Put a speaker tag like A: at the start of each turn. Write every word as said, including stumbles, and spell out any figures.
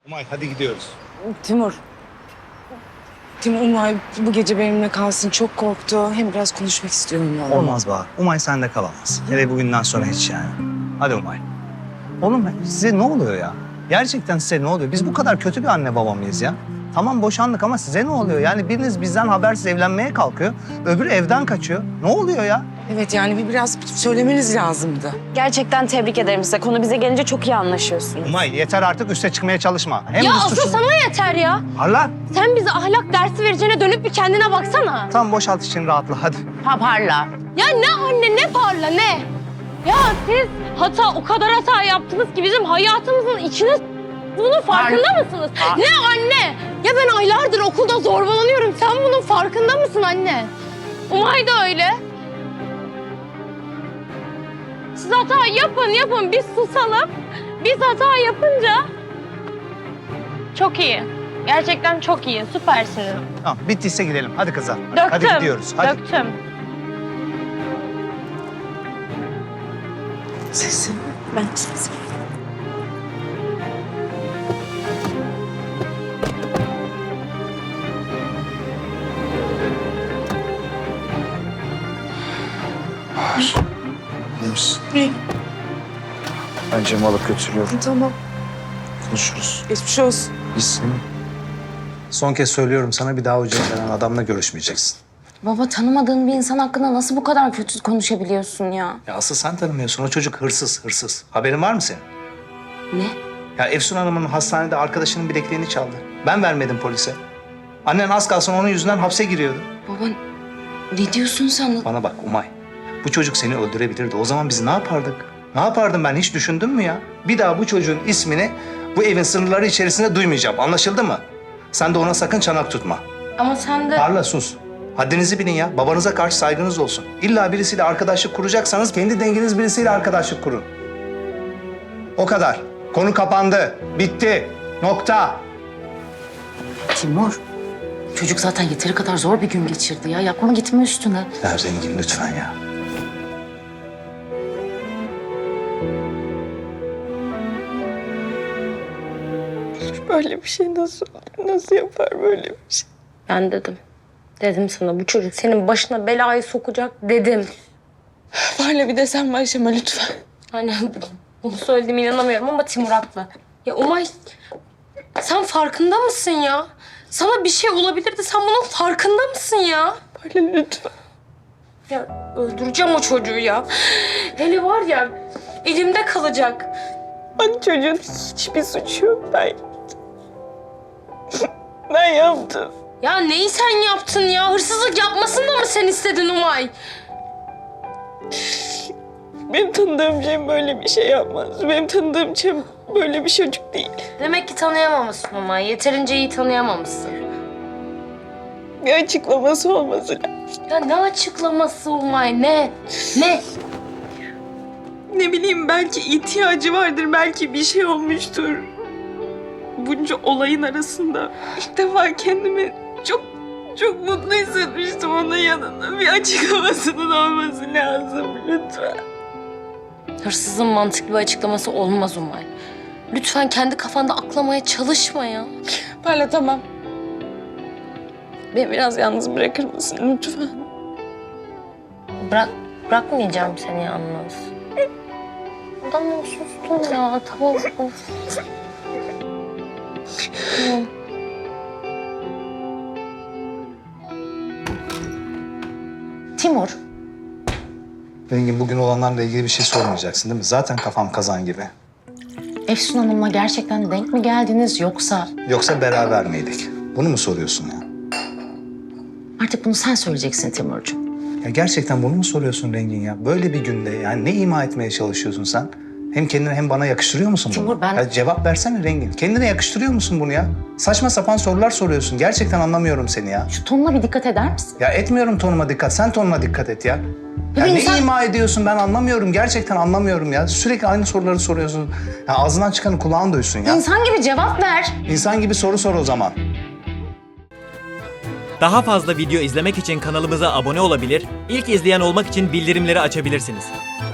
A: Umay hadi gidiyoruz.
B: Timur. Timur, Umay bu gece benimle kalsın. Çok korktu. Hem biraz konuşmak istiyorum onunla.
A: Olmaz Bahar. Umay sende kalamaz. Hele bugünden sonra hiç yani. Hadi Umay. Oğlum size ne oluyor ya? Gerçekten size ne oluyor? Biz bu kadar kötü bir anne baba mıyız ya? Tamam boşandık ama size ne oluyor? Yani biriniz bizden habersiz evlenmeye kalkıyor. Öbürü evden kaçıyor. Ne oluyor ya?
B: Evet yani bir biraz söylemeniz lazımdı.
C: Gerçekten tebrik ederim size. Konu bize gelince çok iyi anlaşıyorsunuz.
A: Umay yeter artık üste çıkmaya çalışma. Hem
C: Ya
A: biz
C: asıl
A: suçlu-
C: sana yeter ya.
A: Parla.
C: Sen bize ahlak dersi vereceğine dönüp bir kendine baksana.
A: Tamam boşalt için rahatla hadi.
C: Ha parla. Ya ne anne ne parla ne? Ya siz hata o kadar hata yaptınız ki bizim hayatımızın içine s- bunun farkında mısınız? Ne anne? Ya ben aylardır okulda zorbalanıyorum. Sen bunun farkında mısın anne? Umay da öyle. Siz hata yapın yapın biz susalım. Biz hata yapınca çok iyi. Gerçekten çok iyi. Süpersiniz.
A: Tamam bittiyse gidelim. Hadi kızlar.
C: Döktüm.
A: Hadi gidiyoruz. Hadi.
C: Döktüm.
B: Sesim. Ben sesim.
D: İyi misin?
B: İyi.
D: Ben Cem'i alıp götürüyorum.
B: Tamam.
D: Konuşuruz.
B: Geçmiş olsun.
D: İyisin.
A: Son kez söylüyorum sana bir daha o denen adamla görüşmeyeceksin.
C: Baba tanımadığın bir insan hakkında nasıl bu kadar kötü konuşabiliyorsun ya?
A: Ya asıl sen tanımıyorsun. O çocuk hırsız, hırsız. Haberin var mı senin?
C: Ne?
A: Ya Efsun Hanım'ın hastanede arkadaşının bilekliğini çaldı. Ben vermedim polise. Annen az kalsın onun yüzünden hapse giriyordu.
C: Baba ne diyorsun sen?
A: Bana bak Umay. Bu çocuk seni öldürebilirdi. O zaman biz ne yapardık? Ne yapardım ben? Hiç düşündün mü ya? Bir daha bu çocuğun ismini bu evin sınırları içerisinde duymayacağım. Anlaşıldı mı? Sen de ona sakın çanak tutma.
C: Ama sen de...
A: Parla sus. Haddinizi bilin ya. Babanıza karşı saygınız olsun. İlla birisiyle arkadaşlık kuracaksanız kendi denginiz birisiyle arkadaşlık kurun. O kadar. Konu kapandı. Bitti. Nokta.
E: Timur, çocuk zaten yeteri kadar zor bir gün geçirdi ya. Yapma gitme üstüne.
A: Ya zengin lütfen ya.
F: Böyle bir şey nasıl nasıl yapar böyle bir şey?
C: Ben dedim. Dedim sana bu çocuk senin başına belayı sokacak dedim.
F: Böyle bir de sen başlama lütfen.
C: Hani bunu söylediğime inanamıyorum ama Timur haklı. Ya Umay sen farkında mısın ya? Sana bir şey olabilirdi sen bunun farkında mısın ya?
F: Böyle lütfen.
C: Ya öldüreceğim o çocuğu ya. Hele var ya elimde kalacak.
F: Bak çocuğun hiçbir suçu yok. Ben yaptım. Ben yaptım.
C: Ya neyi sen yaptın ya? Hırsızlık yapmasını da mı sen istedin Umay?
F: Benim tanıdığım Cem böyle bir şey yapmaz. Benim tanıdığım Cem böyle bir çocuk değil.
C: Demek ki tanıyamamışsın Umay. Yeterince iyi tanıyamamışsın.
F: Bir açıklaması olması lazım.
C: Ya ne açıklaması Umay? Ne? Ne?
F: Ne bileyim belki ihtiyacı vardır. Belki bir şey olmuştur. Bunca olayın arasında ilk defa kendimi çok çok mutlu hissetmiştim onun yanında. Bir açıklamasının olması lazım lütfen.
C: Hırsızın mantıklı bir açıklaması olmaz Umay. Lütfen kendi kafanda aklamaya çalışma ya.
F: Parla tamam. Beni biraz yalnız bırakır mısın lütfen?
C: Bırak, bırakmayacağım seni yalnız. Tamam sustum ya. Tamam. Of. Tamam.
E: Timur,
A: Rengin bugün olanlarla ilgili bir şey sormayacaksın değil mi? Zaten kafam kazan gibi.
E: Efsun Hanım'la gerçekten denk mi geldiniz yoksa...
A: Yoksa beraber miydik? Bunu mu soruyorsun ya?
E: Artık bunu sen söyleyeceksin Timurcuğum.
A: Ya gerçekten bunu mu soruyorsun Rengin ya? Böyle bir günde yani ne ima etmeye çalışıyorsun sen? Hem kendine hem bana yakıştırıyor musun bunu?
E: Timur, ben-
A: Ya cevap versene Rengin. Kendine yakıştırıyor musun bunu ya? Saçma sapan sorular soruyorsun. Gerçekten anlamıyorum seni ya.
E: Şu tonuna bir dikkat eder misin?
A: Ya etmiyorum tonuma dikkat. Sen tonuna dikkat et ya. Ya
E: bir
A: ne
E: insan-
A: ima ediyorsun ben anlamıyorum. Gerçekten anlamıyorum ya. Sürekli aynı soruları soruyorsun. Ya ağzından çıkanı kulağın duysun ya.
E: İnsan gibi cevap ver.
A: İnsan gibi soru sor o zaman.
G: Daha fazla video izlemek için kanalımıza abone olabilir, ilk izleyen olmak için bildirimleri açabilirsiniz.